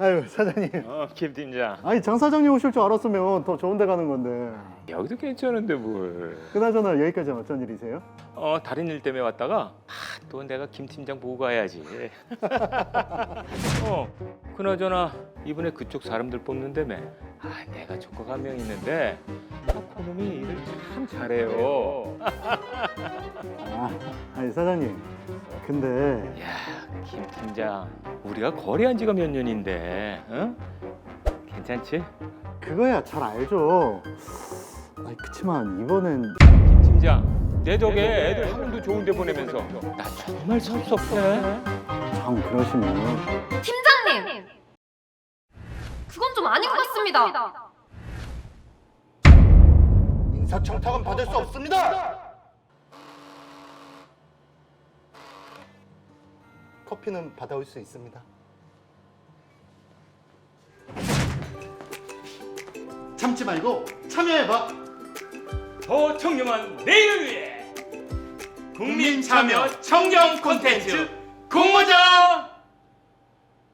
아유 사장님. 김 팀장. 아니 장 사장님 오실 줄 알았으면 더 좋은 데 가는 건데. 여기도 괜찮은데 뭘. 그나저나 여기까지 어쩐 일이세요? 다른 일 때문에 왔다가 또 내가 김 팀장 보고 가야지. 그나저나 이번에 그쪽 사람들 뽑는다며. 내가 조카가 한 명 있는데 그놈이 일을 참 잘해요. 아니 사장님. 근데 야, 김 팀장, 우리가 거래한 지가 몇 년인데, 응? 괜찮지? 그거야 잘 알죠. 아니 그치만 이번엔 김 팀장, 내 덕에 애들 학원도 좋은 데 보내면서 나 정말 섭섭해. 장 그러시면 팀장님! 그건 좀 아닌 것 같습니다. 인사청탁은 받을 수 없습니다. 커피는 받아올 수 있습니다. 참지 말고 참여해봐. 더 청렴한 내일을 위해 국민 참여 청정 콘텐츠 공모전!